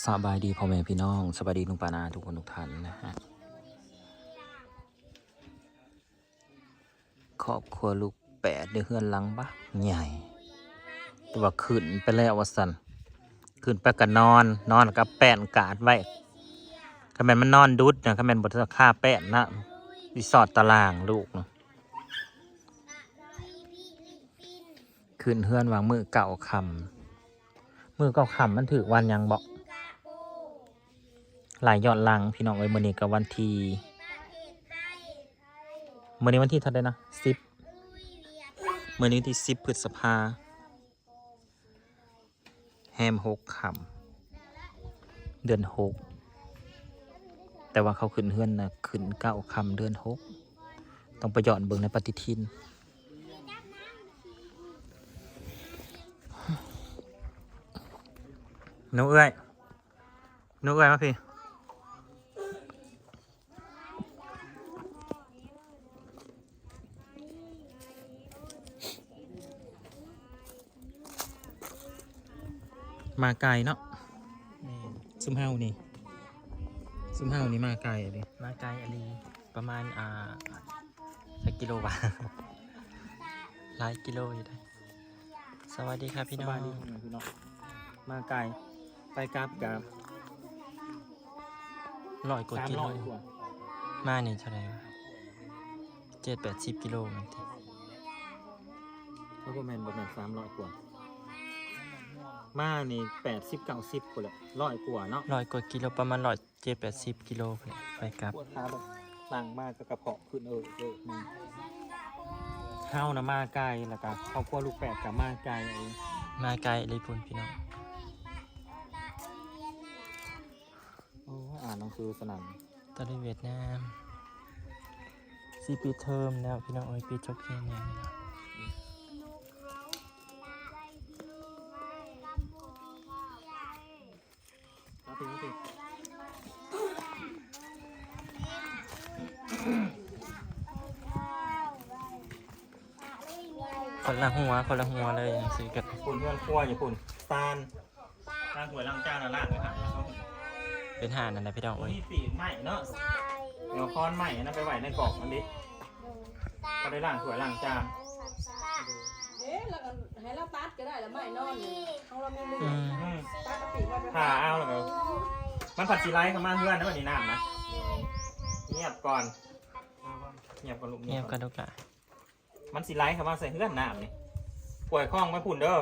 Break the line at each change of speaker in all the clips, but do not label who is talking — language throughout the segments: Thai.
สบายดีพ่อแม่พี่น้องสบายดีลุงปานาทุกคนทุกท่านนะฮะครอบครัวลูกแปดเดือนเฮือนหลังบ้าใหญ่แต่ว่าขึ้นไปแล้ววสันขึ้นไปกันนอนกับแป้นกาดไว้คำแมนมันนอนดุดนะคำแมนบทค่าแป้นนะรีสอร์ทตารางลูกนะขึ้นเฮือนวางมือเก่าคำมือเก่าคำมันถือวันยังบอกหลายยอดลังพี่น้องเอ้ยมื้อนี้กับวันที่มื้อนี้วันที่เท่าไหร่นะ10มื้อนี้ที่10 พฤษภาแฮม6 ค่ำเดือน6แต่ว่าเขาขึ้นเฮือนนะขึ้น9 ค่ำเดือน6ต้องไปย้อนเบิ่งในปฏิทินหนูเอ้ยมาพี่มาไกลเนาะซุมเฮานี่มาไกลเลย
มาไกลอลีประมาณสักกิโลบาท หลายกิโลอยู่ได้สวัสดีครับพี่น้อง
พี่น้องมาไกลไปกราบกับ
100 กว่ากิโล
300 กว่า
มานี่เท่าไหร่วะ7-80 กิโลแมันติ
แล้วก็แมน300 กว่ามานี่80-90กว่าเลย100 กว่าเนาะ
100 กว่ากิโลประมาณ7-80 กิโลพุ่นแหละไปกลับ
ปวดขาแบบสั่งมากกระเพาะขึ้นมันเข้านะมาไกลแล้วก็ครอบครัวลูกแปดกับมาไกลเอง
มาไกลอลีพุ่นพี่น้อง
โอ้อ่านหนังสือสนั่น
ตอนนี้เวียดนาม4 ปีเทอมแล้วพี่น้องเอ้ยปีจบแค่นี้แล้ว
มาถึง
คนละหัวเลยอย่างซื้อกัน
ปุ่นเพื่อนครัวอย่าปุ่นตาลล้างหวยล้างจานล้างเลยค่ะ
เป็นห่านนั่นแหละพี่น้อง
โอ้
เอ้
ย
ย
สีใหม่เนาะเดี๋ยวค้อนใหม่นะไปไหวในกล่องอันนี้ก็ได้ล้างถ้วยล้างจาน
แล้วก็ให้เราตัดก็ได้แล้วไม่นอนของเรามีมือ
อืม
ตัดกระปิว่า
ผ่าเอาแล้วก็มันผัดซีไลท์เข้ามาเพื่อนนะวันนี้น้ำนะเงียบก่อนลูก
เงียบกันทุกอย่าง
มันซีไลท์เข้ามาใส่เพื่อนน้ำนี่ป่วยคล้องไม่พุ่นเด้อ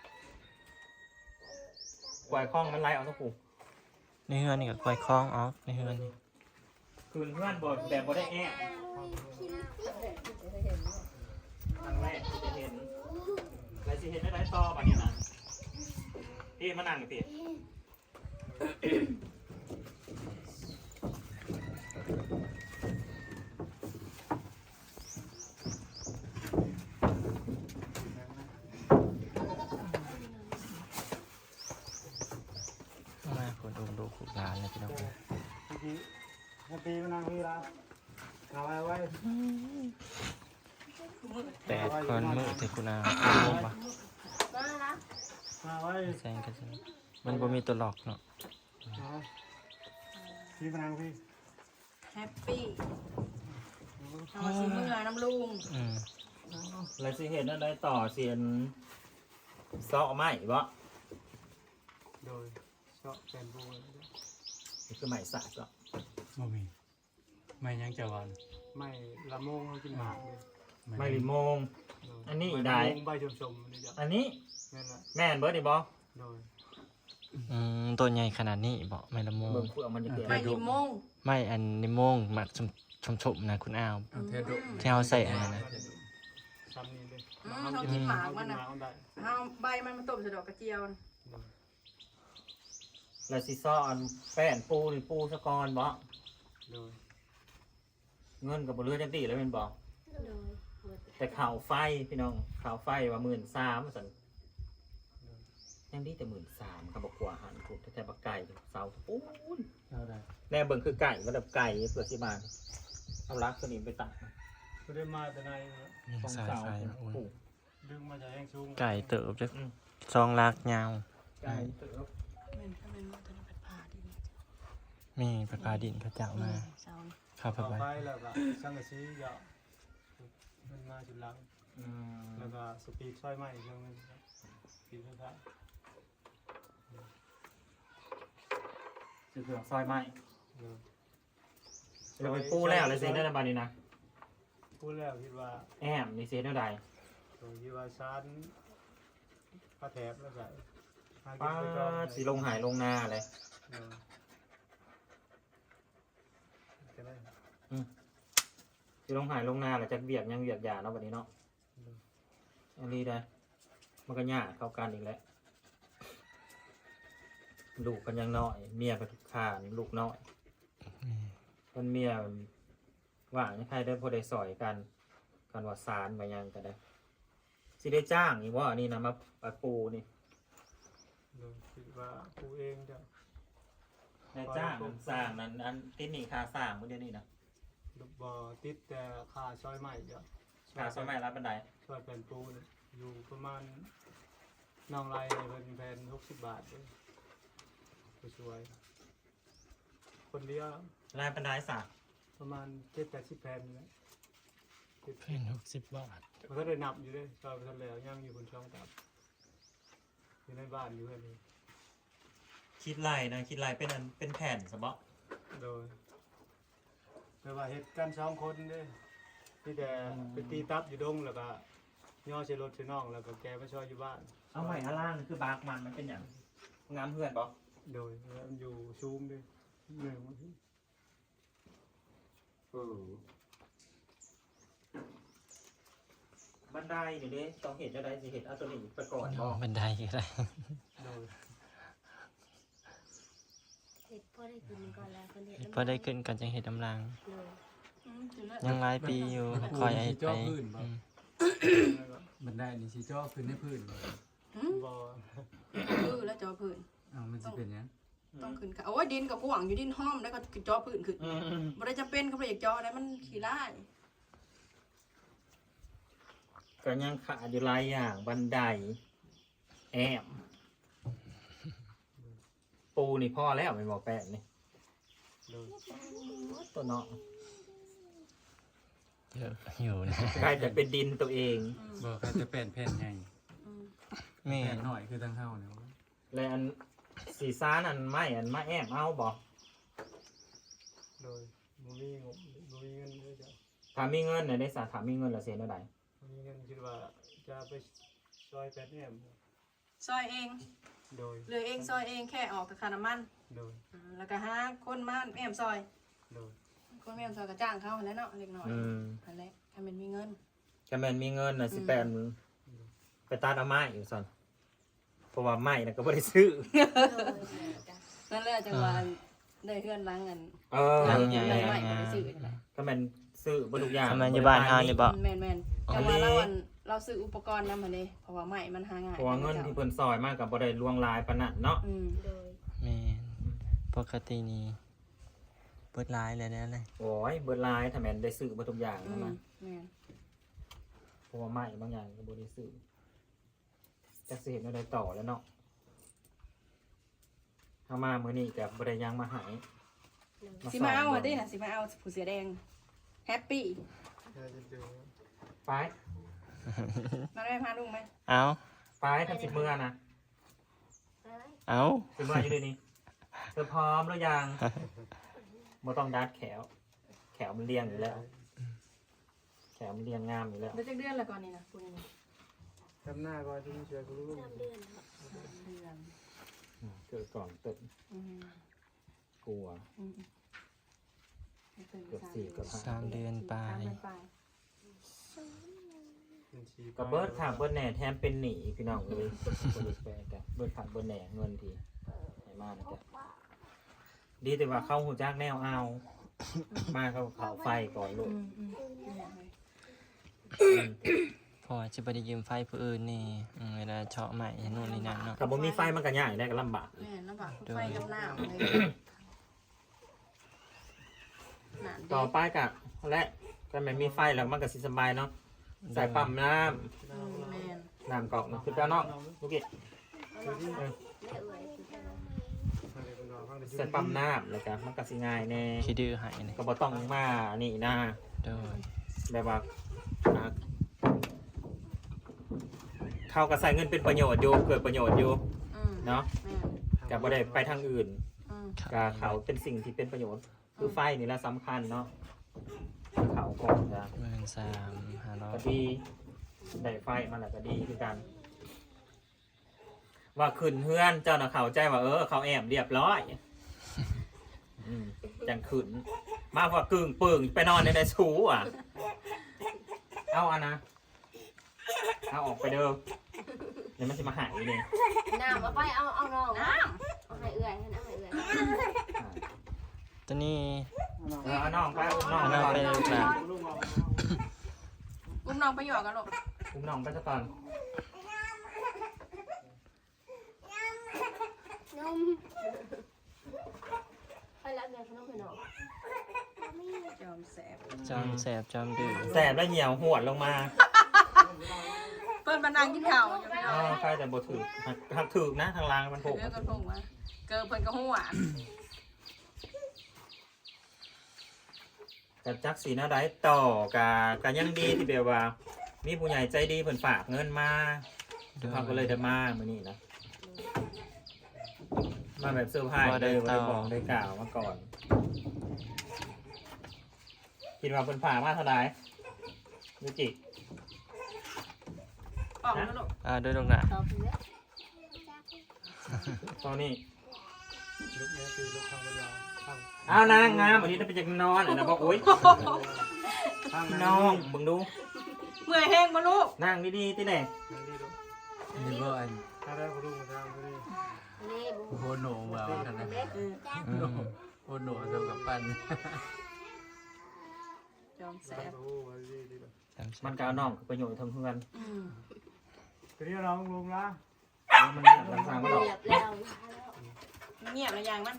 ป่วยคล้องมันไล่เอาทุกผู้
ในเฮือนนี่ก็ปล่อยคล้องออกในเฮือนนี่
คืนเพื่อนบดแบบบดได้แอบครั้งแรกที่จะเห็นอะไรสิเห็นได้ต่อป่ะนี่นะพี่มานั่งกับพี่
มาผลดูขุกหลานเลยพี่น้อง
ปีมันนั่งพี่ละเอาไว้
8 คนมือเทคุณอาลงปะ
มาไว้
แซงกันใช่ไหมมันบ่มีตัวหลอกเนาะ
พี่มันนั่งพี่
แฮปปี้เอาสิมือน้ำลุง
อืม
อะไรสิเห็นอะไรต่อเสียนเสาะไม้บ่
โดยเจาะเป็นบู
นี่คือไม้สักก็
บ่มีไม่ยังจะวันไม่ละโมงกินหมากเลย
ไม้ลิโมง อันนี้อีกได้
ใบชมๆนี่จ้ะ
อันนี้
นั่นแหละ
แม่นเบิร์ดดิบอ
โดย
ตัวใหญ่ขนาดนี้บอกไม่ละโมง
เบิ่งเพื่อมันจะเกิด
ไม่ลิมง
ไม่อันนิโมงหมักชมนะคุณอ้าว
เทดุ
ที่เอาใส่อันนั้นนะ
ซ้ำนี่เลย
เขากินหมากมัน
ห
นะ
มากได้
เอาใบมันมาต้มใส่ดอกกระเจียว
แล้วสิซ้อนแป้นปูนี่ปูสะกอนบ่
โดย
เงินกับบเรือจังตีแล้วเป็นบ่แต่ข่าวไฟพี่น้องข่าวไฟว่า13,000สันยังดีแต่13,000ครับบอกกว่าหันถูกแต่บักไก่เสาปูน
เอาได้
แน่เบิ่งคือไก่มันแบบไก่เพื่อสิมาเอาลักตัวนี้ไปตัด
ก็ได้มาแต่ใน
มี
ของ
สาย
เสา
ไฟมาโอ้ย
ปลูก
ดึงมาจากแห้งสูง
ไก่เติบจะซองลากยาว
ไก่เติบ
เป็นถ้าเป็นว่าจะเป็นพา
มีปลาดินเขาเจ้ามา
เสา
เข้า
ต่อ
ไป
ไปแล้วก็สังกะสีก็มันมาจุดหลังแล้วก็สปีดซอยไม้อีกเรื่องหนึงครับสปีดสุดท้าย
คือเครื่องซอยไม้
เออ
เราไปปูแล้วเลยเซนได้ในบานนี้นะ
พูดแล้วคิดว่า
แอมนี่เซนเท่าใด
ผมคิดว่าชั้นผ้าแถบแล้วก็หากิ
ป้าน
ไปก่อน
สีลงหายลงนาเลย
เออจะได้
สีลงหายลงนาแหละจะเบียกยังเบียกยาเนาะวันนี้เนาะอันนี้ได้มันก็ยากเข้ากันอีกแล้วลูกกันยังน้อยเมียก็ทุกขานลูกน้อยคนเมียว่างใครได้พอได้สอยกันกันว่าสารมายังกันได้สิได้จ้างอีกว่าอันนี้นะมาปะปูนี่
เออคิดว่ากูเองจะ
ได้จ้างมันสร้างนั้นอันที่นี่ค่าสร้างเมื่อเดือนนี้นะ
บ่ติดแต่ค่าซอยใหม่จะ
ค่าสมัยรับบันได
ซอยแผ่นปูเนี่ยอยู่ประมาณน้องไรเป็นแผ่น60 บาทเลยสวยๆคนเดียว
รายบันไดสัก
ประมาณ70-80 แผ่นนี่แหละ
เพิ่น60 บาท
มันก็ได้นับอยู่เลยซอยไปทะเลย่างอยู่บนช่องตับอยู่ในบ้านอยู่เพื่อนนี่
คิดไรนะคิดไรเป็นอันเป็นแผ่นสมบ
โดยไม่ว่าเหตุการณ์สองคนเด้ที่แต่ไปตีตับอยู่ดงแล้วก็ย่อใช้รถใช้น่องแล้วก็แกมาช่วยอยู่บ้าน
เอาใหม่อาล่างคือบาร์กมันเป็นอย่างงามเพื่อนบอ
โดยแล้วมันอยู่ซูมด้วยหนึ่ง
บันไดเดี๋ยวนี้ต้องเห็นจะได้สิเห็นเอาตัวนี้ไปก่อนบอ
บันไดก็ได้
โดย
เห็ดพ่อได้กินก่อนแล้วคนเห็ด
พอได้ขึ้นกันจังเฮ็ดกำลัง
เลย
ยังหลายปีอยู่คอยไอ้ไปอืม
บันไดนี่สิจ่อขึ้นในพื้นบ่
บอ
แล้วจอพื้น
อ้าวมันสิเป็นหยัง
ต้องขึ้นค่ะโอ้ยดินกับกวางอยู่ดินห้อมแล้วก็จอพื้นขึ้นบ่ได้จำเป็นเขาบ่ได้อยากจอได้มันขี้ร้าย
ก็ยังขาดอยู่หลายอย่างบันไดแอมปูนี่พ่อแล้วไม่บอกแปะนี่
โดย
ตัวเนาะ
เยอะอยู่นะ
ใครจะเป็นดินตัวเอง
บ่ใครจะเป็นแผ่นใหญ่
แม่
แผ่นน้อยคือทางเฮาเนี่ย
และอันสีซ่านอันไม่อันมาแอมเอาบอก
โดยมูมีงบมูมีเงินด้วยจ้ะ
ถ้ามีเงินเนี่ยได้สาถามมีเงินละเสียเท่าไหร่
มูมีเงินคิดว่าจะไปซอยแปดเนี่ย
ซอยเอง
โดย
เหลือเองซอยเองแค่ออกแต่ค่าน้ำมัน
โดย
แล้วก็หาคนมาแอมซอย
โดย
คนแอมซอยก็จ้างเขาแล้วเนาะเล็กน้อย
อืม
อันแรกถ้ามันมีเงิน
แค่แมนมีเงินนะสิแปนไปตัดเอาไม้อยู่สันเพราะว่าไม้นะก็ไม่ได้ซื้อ
นั่นแหละจังหวะได้เพื่อนล้างเงิน
เออ
หลังใหญ่
ได้ใหม่ก็ได้ซื้อก็ได้
ก็แมนซื้อบรรทุกอย่าง
ทำไมอยู่บ้านเฮานี่บ่
แมนจังหวะเราซื้ออุปกรณ์นำมาเลยเพราะว่าใหม่มันหาง่าย
เพราะว่าเงินที่เพิ่นซอยมากกับบริลวงลายปานนันเนาะ
โดย
แม่นปกตินี่เปิดร้ายเลยนะเลย
โอ้ยเบิดลายถ้าแมนได้ซื้อบรรทุกอย่าง
แม
นะ
น
เพราะว่าไม้บางอย่างก็บริซื้อจะสิเห็นอะไรต่อแล้วเนาะถ้ามามื้อนี้กับบริยังมาหาย
สิมาเอาดินะสิมาเอาผู้เสียแดงแฮปปี้
จะเจอ
ไป
มาได้พาลุงไหม
เอา
ไปทำสิบมือนะ
เอา
สิบมืออยู่ด้วยนี่เธอพร้อมหรือยังบ่ต้องดัดแขว แขวมันเรียงอยู่แล้ว แขวมันเรียงงามอยู่แล้ว
เดือนเดือนละก่อนนี่นะคุณนี่
ทำหน้าก่อนที่ช่วยคุณลูก
เดือน
เกิดก่อนตึกกลัว เกือบ4เกือบ5
3 เดือนไป
กับเบิร์ดขาดเบิร์ดแหน่แถมเป็นหนีพี่น้องเลยคนดูแปลกันเบิร์ดขาดเบิร์ดแหน่เงินทีให้มากนะจ๊ะดีแต่ว่าเข้าหูจักแนวเอา มาเข้าเขาไฟก่อนลูก
พอจะไปได้ยืมไฟผู้อื่นนี่เวลาเฉาะใหม่นู่นนี่นั่นเนาะ
ถ้าบ่มีไฟมันก็ยากได้ก็ลำบาก
แม่ลำบากไฟกับน้ำเลยหนาน
ต่อไปกะและก็ไม่มีไฟแล้วมันก็สิสบายเนาะใส่ปั๊มน้
แม่น
ำน้ำกรอกนะคือเจ้าเนาะลูกเกด
อะไรเป็นรอฟังแต่
ใส่ปั๊มน้ำแล้วก็มันก็สิง่ายแน่
ขี้ดื้อหายนี่
ก็บ่ต้องมานี่นะ
โดย
แบบว่าอ่าเขาก็ใส่เงินเป็นประโยชน์อยู่เกิดประโยชน์อยู่
อืม
เนาะ
แม่น
ก็บ่ได้ไปทางอื่น
อืม
ก็เขาเป็นสิ่งที่เป็นประโยชน์คือไฟนี่แหละสำคัญเนาะเขาก่อนจะ
13,500
ก็ดีได้ไฟมาแล้วก็ดีคือกัน ว่าขึ้นเฮือนเจ้าน่ะเข้าใจว่าเขาแอบเรียบร้อยจังขึ้นมาว่ากึ่งปึ่งไปนอนในสูอ่ะ เอาอันนะเอาออกไปเด้อเดี๋ยวมันจะมาหายเลย
น้ำเอาไปเอาน้องเอาให้เอื่อยให้น้ำให้เอื่อย
ตัวนี้
เอาน้องไปอุ้มน้อง
เอา
ไป
น้อง
ก่อน
ไปลูกหลาน
อุ้มน้องไปหยอกกันลูก
อุ้มน้องไปซะก่อน
นมไปรับเงินขนมให้น้อง
ยอมแสบ
จอมแสบจอมดื้อ
แสบแล้วเหี่ยวหวดลงมา
เปิ้นมานั่งกินข้าวอยู่พี่น้
อ๋
อ
อง ใครแต่บ่ถือหักถือนะทางล่างมันโผล่
เลือกกระทงมาเกิดเพิ่นก็หัว
กับจักสีหน้าได้ต่อกะยังดีที่แบบว่า มีผู้ใหญ่ใจดีเพิ่นฝากเงินมา เขาก็เลยได้มามื้อนี้นะมาแบบเซอร์ไพรส์เลยบ่ได้บอกได้กล่าวมาก่อนคิดว่าเพิ่นฝากมาเท่าไหร่ยูจิ
ออกแล้วลูก
ด้วยลูกหลาน
ตอบเยอะ
ตอนนี้
ลุกเนี่ยคือลุกทางเวลาข้าง
เอานางงามวันนี้ได้ไปจากนอนนะบอกโอ๊ย
ข้าง
พี่น้องมึงดู
เมื่อยแห้งบ่ลูก
นั่งดีๆที่ไหน
นั่นดีลูก
นี่บ่อัน
ถ้าได้ก็ลุกมาทางนี้
นี่บุ
โคโหนว่ากันนะ
เล็ก
โคโหนเท่ากับปั้น
ยอมแส
ใส่
บ
โอ้ยดีลูก
มันก็เอาน้องประโยชน์ทางเพื่อน
อืม
ทีนี้เราลงละ
มันลำสางก็ดอก
เหยียบแล้ว
มันเงียบแล้วอย่างมัน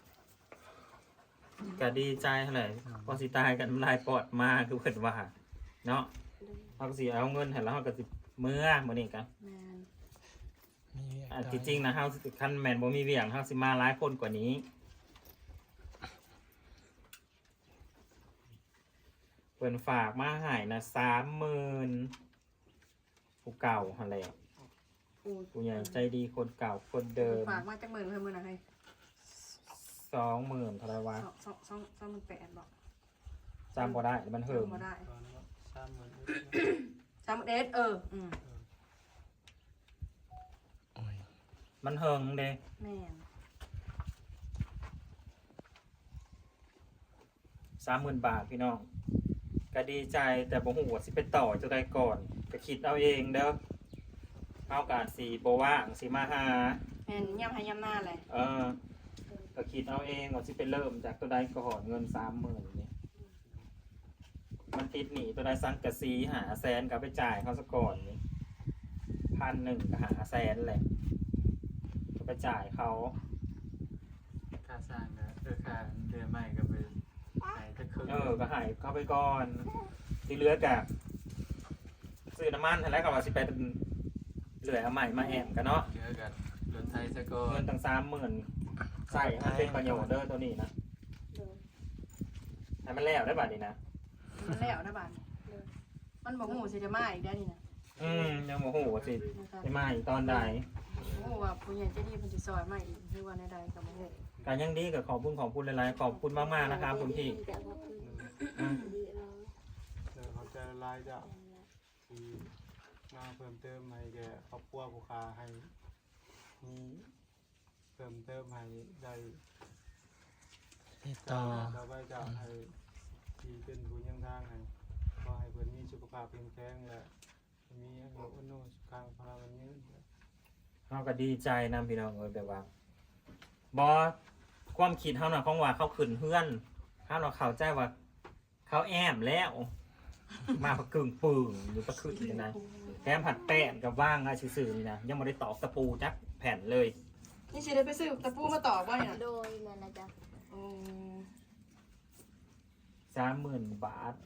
ก็ดีใจเท่าไหร่พอสิตายกันลายปอดมาคือเพิ่นว่าเนาะเขาก็สิเอาเงินให้แล้วเขาก็สิเมื่อมื้อนี้กัน
แม่น
ที่จริงนะเฮาคันแม่นบ่มีเวียงเฮาสิมาหลายคนกว่านี้เพิ่นฝากมาให้นะ30,000ผู้เก่าหั่นแหละ
อู้
ผู้ใหญ่ใจดีคนเก่าคนเดิม
ฝากมาจากหมื่นเพิ่นมื้อน่ะให้
20,000เท่าไหร่วะ
2,800บ่
จำบ่ได้มันเหิง
บ่ได้
ตอนนี้
31
30,000
มันเหิงเด้
แม่น
30,000 บาทพี่น้องก็ดีใจแต่บ่ฮู้ว่าสิไปต่อจังไดก่อนก็คิดเอาเองเด้อเฮาก็สิบ่ว่างสิมาหา
แม่นย่ำให้ย่ำหน้าเลย
ก็คิดเอาเองว่าสิไปเริ่มจากตัวใดก่อนเงิน 30,000นี่มันติดหนี้ตัวใดสังกะสีหาแสนก็ไปจ่ายเขาซะก่อนนี่1,100ก็หาแสนแหละก็ไปจ่ายเขา
ค่าสร้างนะค่าเดือนใหม่ก็ไปไหนจะคืน
ก็ใหายเข้าไปก่อน ที่เหลือกับซื้อน้ำมันแล้วก็ว่าสิไปเหลือเอาใหม่มาแอมกันเนาะ
เจอกันรถไทยซะก่อ
เงิ
น
นตั้ง30,000ใส่ให้เป็นประโยชน์เด้อตัวนี้นะให้มันแล้วได้บัดนี้นะ
มันแล้วนะบ้านมันบอกหูสิจะมาอีกได้นี่นะ
ยังโมโหสิ
นะครับ
ได้มาอีกตอนใด
โอ้ว่าผู้ใหญ่ใจดีเพิ่นสิซอยมาอีกหรือว่าในใดก็บ่ฮู้
การยังดีกับขอบคุณหลายๆขอบคุณมากๆนะครับคุณพี่อืม
เดี๋ยวเขาจะไล่จะที่มาเพิ่มเติมให้แกครอบครัวผู้ค้าให้มีเพิ่มเติมให้ได้
ติดต่อ
เราไปจะให้ที่เป็นผู้ยังทางให้ก็ให้เพิ่นมีสุขภาพแข็งแรงและมีอายุอนุสุขังพลังยืน
เราก็ดีใจนะพี่น้องแบบว่าบอความคิดเขาหน่ะของว่าเขาขึ้นเพื่อนเขาหน่ะเข้าใจว่า เขาแอมแล้ว มาประกึ่งปึ่งอยู่ประขึ้นเลยนะแถมผัดแป้งกับว่างอะซื่อๆนี่นะยังไม่ได้ตอกตะปูจักแผ่นเลย
นี่สิได้ไปซื้อตะปูมาต่อบ่เนี่ย
โดยนั่นนะจ๊ะ
โอ้
30,000 บาท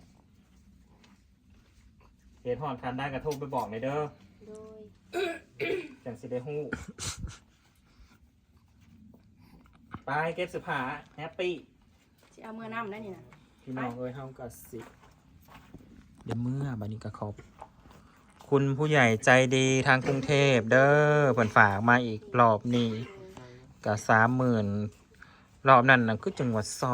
เหตุหอนคันได้กระทงไปบอกในอยเด้อ
โดย
จังสิได้ฮู้ไปเก็บเสื้อผ้าแฮปปี้
สิเอามือน้ำได้นี่นะ
พี่น้องเอ้ยเฮาก็สิเดี๋ยวเมื่อบัดนี้ก็ขอบคุณผู้ใหญ่ใจดีทางกรุงเทพเด้อเพิ่นฝากมาอีกรอบนี้ก็30,000รอบนั้นน่ะคือจังหวัด20,000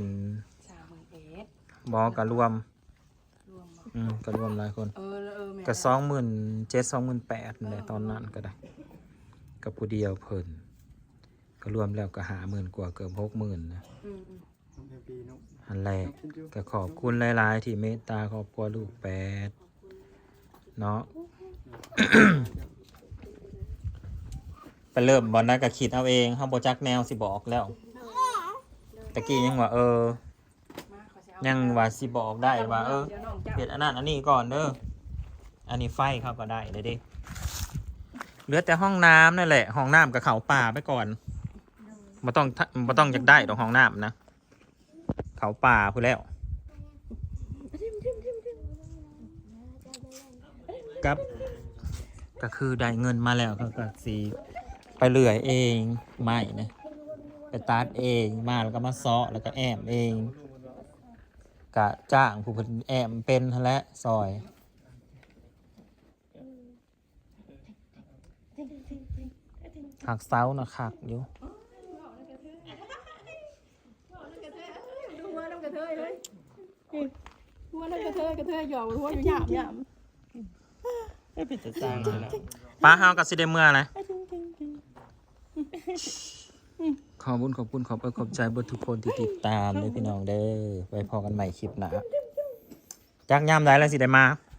30,000
บ่ก็รวม
รวมบ่
ก็รวมหลายคน
แม่
ก็27,000 28,000นั่นแหละตอนนั้นก็ได้กับผู้เดียวเพิ่นก็รวมแล้วก็50,000กว่าเกือบ60,000นะ
อืม
ในปีนุ๊ก
อันแรกก็ขอบคุณหลายๆที่เมตตาครอบครัวลูกแปดเนาะ ไปเริ่มบอลนั้นก็คิดเอาเองเขาบจักแนวสิบอกแล้วตะกี้ยังว่า
มาขอสิเอา
ยังว่าสิบอกได้ว่า
เดี๋ยวน้องจับ
เห็ดอันนั้นอันนี้ก่อนเด้ออันนี้ไฟเขาก็ได้เลยดิเหลือแต่ห้องน้ำนั่นแหละห้องน้ำกับเขาป่าไปก่อนบ่ต้องอยากได้ดอกห้องน้ำนะเขาป่าพูดแล้วกับก็คือได้เงินมาแล้วเขาก็สีไปเลื่อยเองไม่นะไปตัดเองมาแล้วก็มาซ้อแล้วก็แอมเองกะจ้างผู้เพิ่นแอมเป็นหั่นแหละซอยหักเสานะคักอยู่
ดูว่าน้ำกระเทยเลยดูว่าน้ำกระเทยหยอกหัวอยู่หยาบหยาบ
ไม่เป็นจะจ้างเลยนะ
ป้าเฮากับสิได้เมื่อนะขอบคุณขอบใจเบิดทุกคนที่ติดตามเลยพี่น้องเด้อไว้พอกันใหม่คลิปหน้าจักยามใดแล้วสิได้มา